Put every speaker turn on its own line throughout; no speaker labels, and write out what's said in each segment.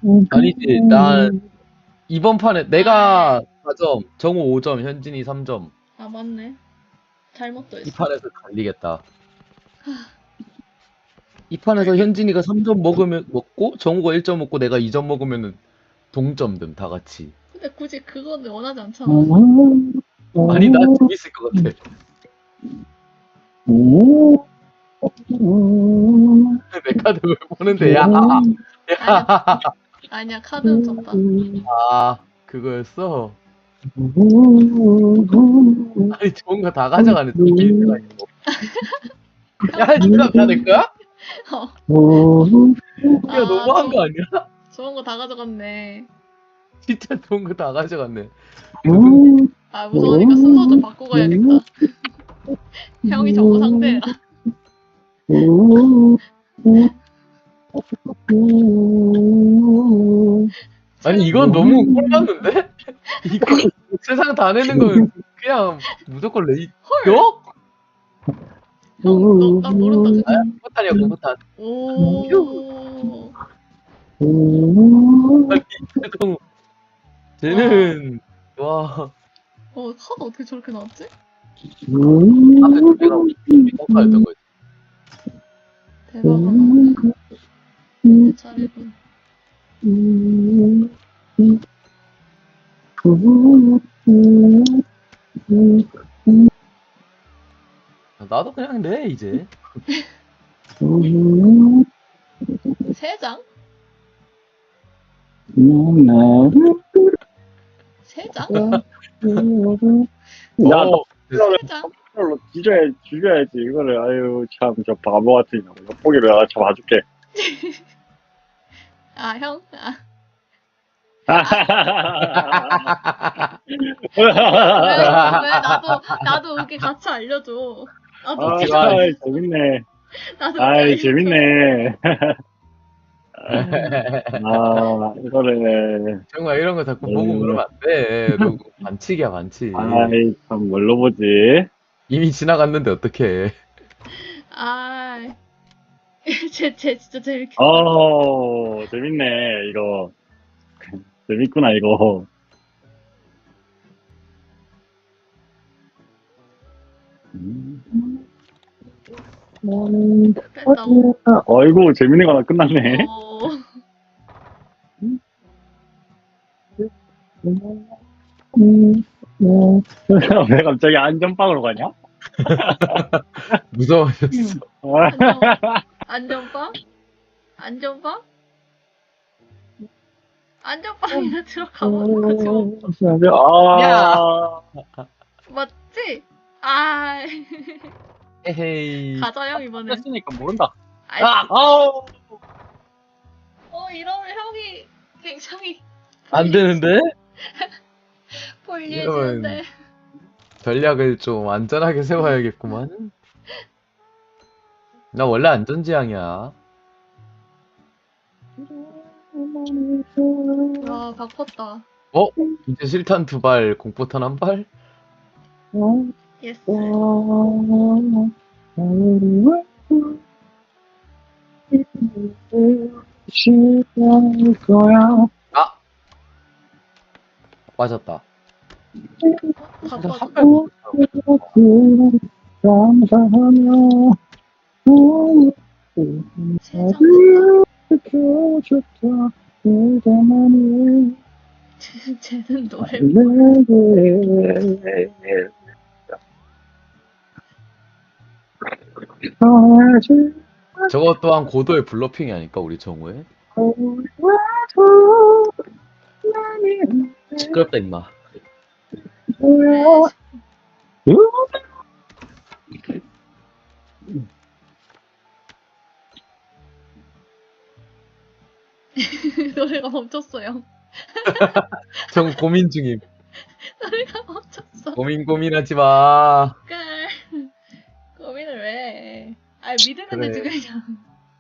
아니지, 난 이번 판에 내가 4점, 정우 5점, 현진이 3점.
아, 맞네. 잘못
이
더했어.
판에서 갈리겠다. 이 판에서 현진이가 3점 먹고 정우가 1점 먹고 내가 2점 먹으면은 동점됨 다 같이.
근데 굳이 그거는 원하지 않잖아.
아니 나 재밌을 것 같아. 내 카드 왜 보는데 야. 야.
아니야, 카드 훔쳤다.
아 그거였어. 아니 좋은 거 다 가져가네. 또 빌드가 있고. 야 진짜 다내 거야? 야 너무한 거 아니야?
좋은 거 다 가져갔네.
진짜 좋은 거 다 가져갔네.
아, 무서우니까 순서 좀 바꾸고 가야겠다. 형이 정보 상대야.
아니 이건 너무 꼴봤는데? 이거 세상 다 내는 거면 그냥 무조건 레이. 너?
형, 나 모른다.
아야 공포탄이야 공포탄.
오.
아니 쟤도 쟤는 와
카드 어떻게 저렇게 나왔지?
앞에 두 개가 공포탄이었던 거지.
대박이다. 내 차례군.
나도 그냥 내 이제.
세 장? 세 장?
야,
어,
세 장?
로 죽여야지 이거를. 아유 참, 저 바보 같은 거. 엿보기로 내가 잡아줄게.
아, 형? 아, 왜 나도 여기 같이 알려줘. 나도
아,
웃겨.
재밌네.
나도
아이,
웃겨.
재밌네. 아, 이거를.
정말 이런 거 자꾸 보고 그러면 안 돼. 너 반칙이야 반칙.
아이, 참, 뭘로 보지?
이미 지나갔는데 어떡해.
아, 쟤 진짜 재밌게.
재밌네, 이거. 재밌구나, 이거.
뺐다고.
어이구, 재밌는 거 하나 끝났네. 왜 갑자기 안전빵으로 가냐?
무서워졌어.
안전빵? 안전빵? 안전빵이나 들어가보는 거지.
아,
맞지? 아,
에헤이.
가자 형 이번에.
했으니까 모른다.
아이,
아우.
이러면 형이 굉장히
안 되는데?
불리해지는데.
전략을 좀 안전하게 세워야겠구만. 나 원래 안전지향이야.
와, 바꿨다.
이제 실탄 2발, 공포탄 1발?
예스.
아! 빠졌다.
바꿨. 세장 쟤는 노래.
저것 또한 고도의 블러핑이 아닐까, 우리 정우의? 시끄럽다, 임마.
노래가 멈췄어요.
정우 고민 중임.
노래가 멈췄어.
고민하지 마.
깔. 고민을 왜 해? 아, 믿으면
그래.
되지 그냥.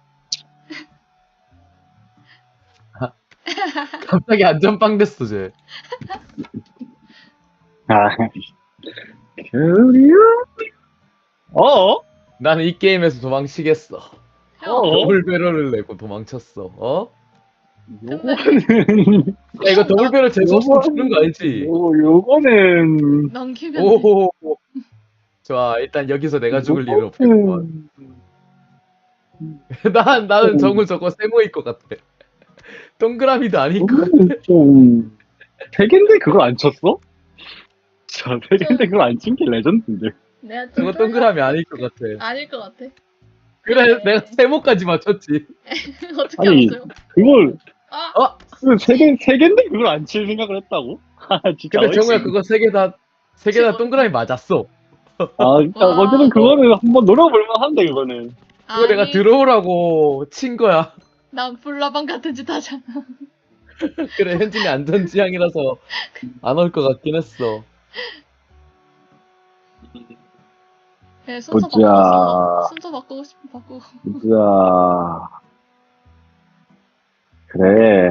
갑자기 안전빵 됐어, 쟤. 나는 이 게임에서 도망치겠어.
형,
더블 배럴을 내고 도망쳤어.
요거는
야 이거 더블배럴 재수없으면 주는 거 알지?
요거는
넘기면 돼.
오. 좋아 일단 여기서 내가 죽을 일은 없겠구만. 나는 정우 저거 세모일 것 같아. 동그라미도 아닐 것 같아.
요거는 좀 세계인데 그걸 안 쳤어? 자, 세계인데 그걸 안 친 게 레전드인데.
내가 좀
저거 동그라미 아닐 것 같아.
아닐 것 같아.
그래 내가 세모까지 맞췄지.
어떻게
아니,
알았어요?
그걸
아,
어?
세계인데 그걸 안 칠 생각을 했다고? 아, 진짜
근데 정우야
어이없네.
그거 세 개 다 동그라미 맞았어.
아, 진짜
와.
어쨌든 그거는 한번 노려볼 만한데 그거는.
그거 내가
아니,
들어오라고 친 거야.
난 불나방 같은 짓 하잖아.
그래 현진이 안전지향이라서 안 올 것 같긴 했어.
네, 순서
보자.
바꿨어. 순서 바꾸고 싶으면 바꾸고.
진짜 그래.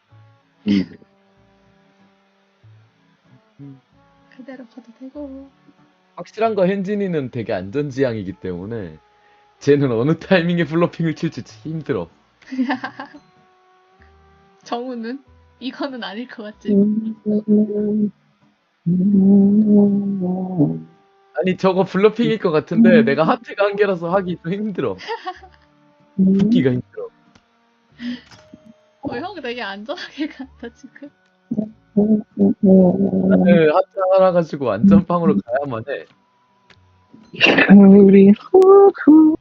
그대로 가도 되고.
확실한 거 현진이는 되게 안전지향이기 때문에 쟤는 어느 타이밍에 블러핑을 칠지 힘들어.
정우는? 이거는 아닐 것 같지?
아니 저거 블러핑일 것 같은데 내가 하트가 한 개라서 하기 좀 힘들어. 듣기가 힘들어.
형 되게 안전하게 간다, 지금.
나는 하트 하나 가지고 안전빵으로 가야만 해.
우리 후후가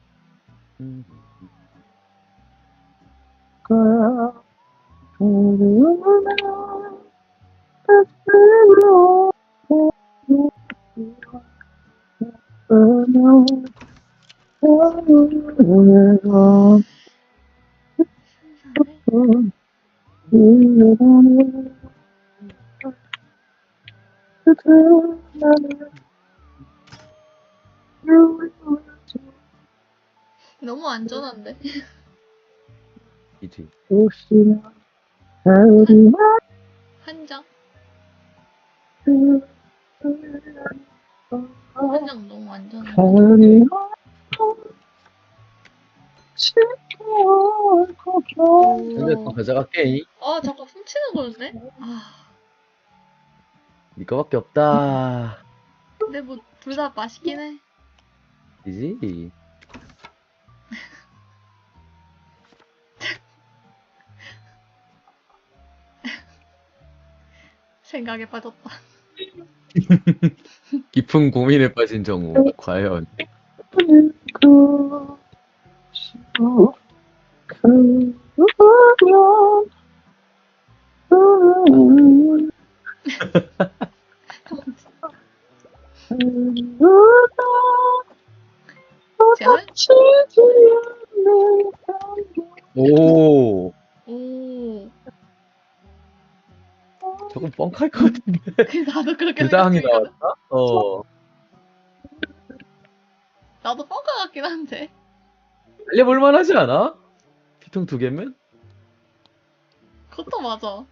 너무 안전한데?
이지.
한 장? 한 장 너무 안전한데?
근데 또 가져갈게.
아, 잠깐 훔치는 거였네? 아,
이거밖에 없다.
근데 뭐, 둘 다 맛있긴 해.
이지.
생각에 빠졌다.
깊은 고민에 빠진 정우. 과연.
제한?
오.
오.
저건 뻥칼 것 같은데.
나도 그렇게
규당이
생각했거든.
나왔나? 어.
나도 뻥카 같긴 한데.
달려볼만 하지 않아? 피통 2개면?
그것도 맞아.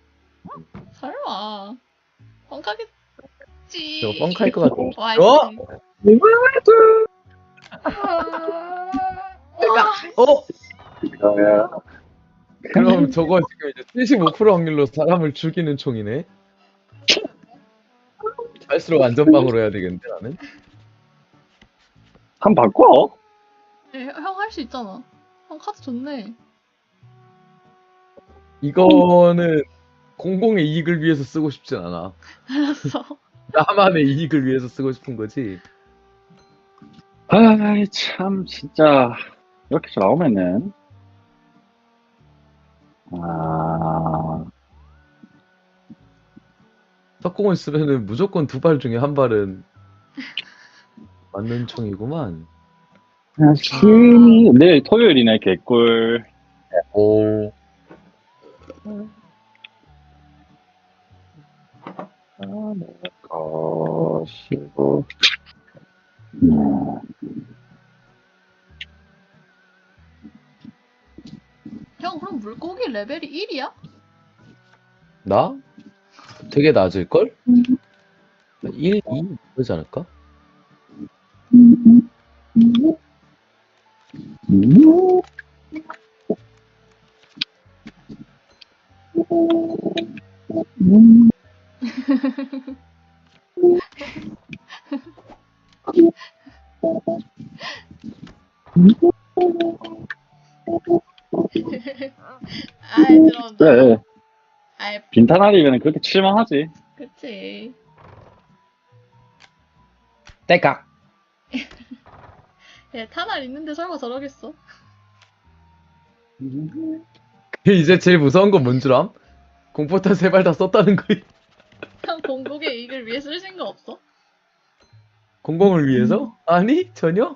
설마. 뻥카겠지.
저거 뻥칼 것 같아.
와이스.
어? 어?
이거야.
그럼 저거 지금 이제 75% 확률로 사람을 죽이는 총이네? 갈수록 안전빵으로 해야 되겠는데 나는?
한 바꿔.
형 할 수 있잖아. 형 카드 좋네.
이거는 공공의 이익을 위해서 쓰고 싶진 않아.
알았어.
나만의 이익을 위해서 쓰고 싶은 거지.
아이, 참, 진짜. 이렇게 나오면은.
석공을 쓰면은 무조건 2발 중에 1발은 맞는 총이구만.
내일 토요일이네, 개꿀.
오.
것이고.
형 그럼 물고기 레벨이 1이야?
나? 되게 낮을걸? 1, 2? 그러지 않을까?
아이 들어온다.
그래.
아이
빈탄알이면 그렇게 칠만하지.
그치.
딸깍.
얘 탄알 있는데 설마 저러겠어?
이제 제일 무서운 건 뭔 줄 암? 공포탄 3발 다 썼다는 거.
형 공국의 이익을 위해 쓰신 거 없어?
공공을 위해서? 아니 전혀.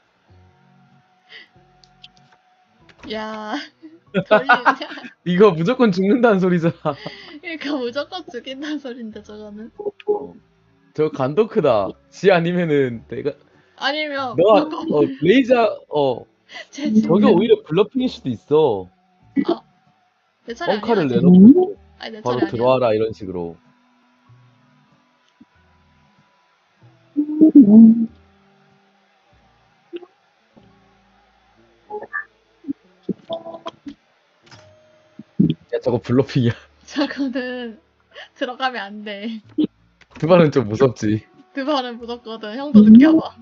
야 돌리냐?
이거 무조건 죽는다는 소리잖아.
그러니까 무조건 죽인다는 소린데 저거는.
저 간도 크다. 지 아니면은 내가
아니면
너가
방금
레이저
제
저게
진짜
오히려 블러핑일 수도 있어.
내 차례 아니야.
뻥카를
아직.
내놓고
아니 내 차례
바로
아니야.
들어와라 이런 식으로. 야 저거 블러핑이야.
저거는 들어가면 안 돼.
두 발은 좀 무섭지.
그 발은 무섭거든. 형도 느껴봐.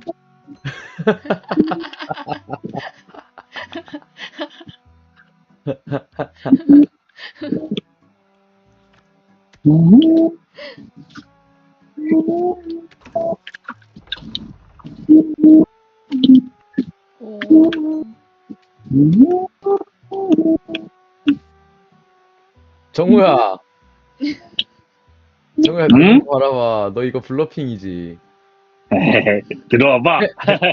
오.
정우야. 정우야
응?
너 바라봐. 너 이거 블러핑이지.
들어와봐.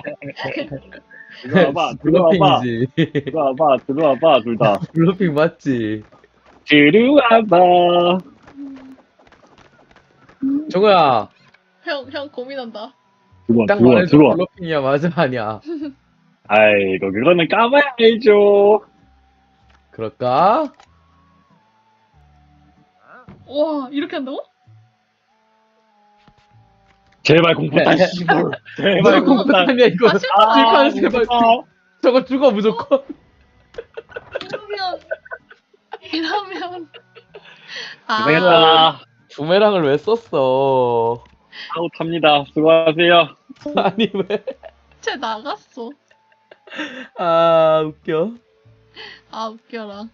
들어와봐. 들어와봐.
블러핑이지.
들어와봐. 들어와봐. 둘 다.
블러핑 맞지.
들어와봐.
정우야.
형 고민한다.
들어와.
딱
들어와.
말해줘.
들어와.
블러핑이야 맞아 아니야.
아이고 그거는 까봐야 알죠.
그럴까?
와 이렇게 한다고?
제발 공포탄 씨발. 제발
무조건
공포탄.
공포탄이야 이거.
아, 실패.
실패하는 제발. 저거 죽어 무조건.
이러면
고생했다.
부메랑을 왜 썼어?
아웃합니다. 수고하세요.
아니 왜?
쟤 나갔어.
아 웃겨.
아 웃겨라.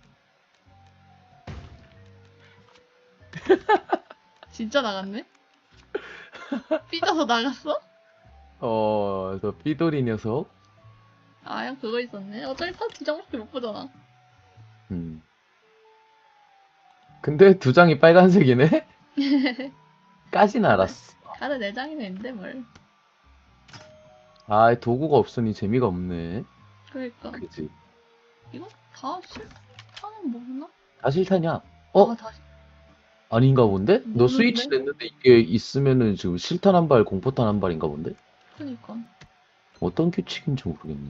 진짜 나갔네? 삐져서 나갔어?
저 삐돌이 녀석.
아 형 그거 있었네. 어차피 다 뒤정밖에 못 보잖아.
근데 두 장이 빨간색이네? 까진 알았어.
다들 내장이나 있는데 뭘.
아 도구가 없으니 재미가 없네.
그러니까
그지?
이거 다 실타는 뭐나?
다 실타냐?
아 다시
아닌가 본데? 너
모르는데?
스위치 냈는데 이게 있으면은 지금 실탄 한 발, 공포탄 한 발인가 본데?
그니까.
어떤 규칙인지 모르겠네.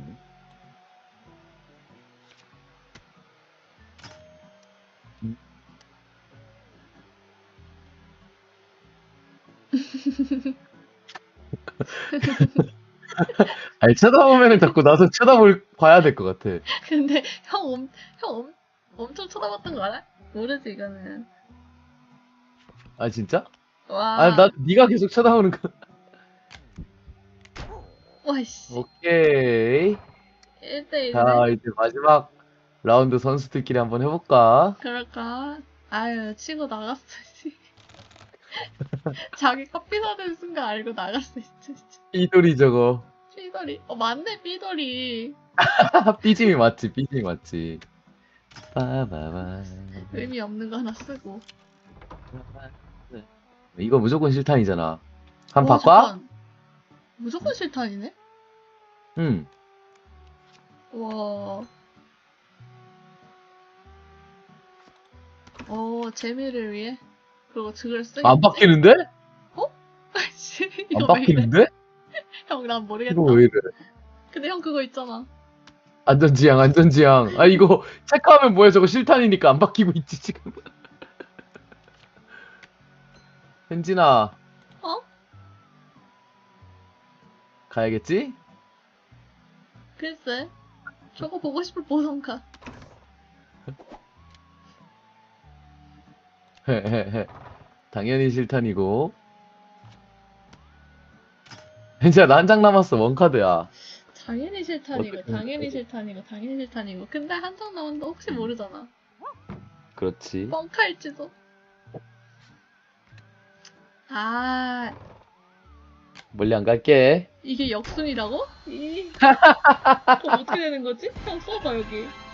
아니 쳐다보면은 자꾸 나도 봐야 될 것 같아.
근데 형 엄청 쳐다봤던 거 알아? 모르지 이거는.
아 진짜?
와.
아 나 네가 계속 쳐다보는 거.
와씨.
오케이.
1대1네.
자 이제 마지막 라운드 선수들끼리 한번 해볼까?
그럴까? 아유 치고 나갔어. 씨. 자기 커피 사는 순간 알고 나갔어 진짜.
삐돌이 저거.
삐돌이. 맞네 삐돌이.
삐짐이 맞지, 삐짐이 맞지. 빠바바.
의미 없는 거 하나 쓰고.
이거 무조건 실탄이잖아. 한
와,
바꿔?
잠깐. 무조건 실탄이네?
응.
와. 재미를 위해? 그리고 득을 쓰겠지?
안 바뀌는데?
아이씨,
안
이거 왜 이래?
바뀌는데?
형, 난 모르겠다.
이거 왜 이래?
근데 형 그거 있잖아.
안전지향, 안전지향. 아, 이거 체크하면 뭐야? 저거 실탄이니까 안 바뀌고 있지, 지금. 현진아.
어?
가야겠지?
글쎄. 저거 보고 싶을 보던가.
당연히 실탄이고. 진짜 나 한 장 남았어. 원카드야.
당연히 실탄이고,
어떻게
당연히 실탄이고, 당연히 실탄이고. 근데 한 장 남았는데 혹시 모르잖아.
그렇지.
뻥카일지도. 아,
멀리 안 갈게.
이게 역순이라고? 그럼 어떻게 되는 거지? 형 써봐, 여기.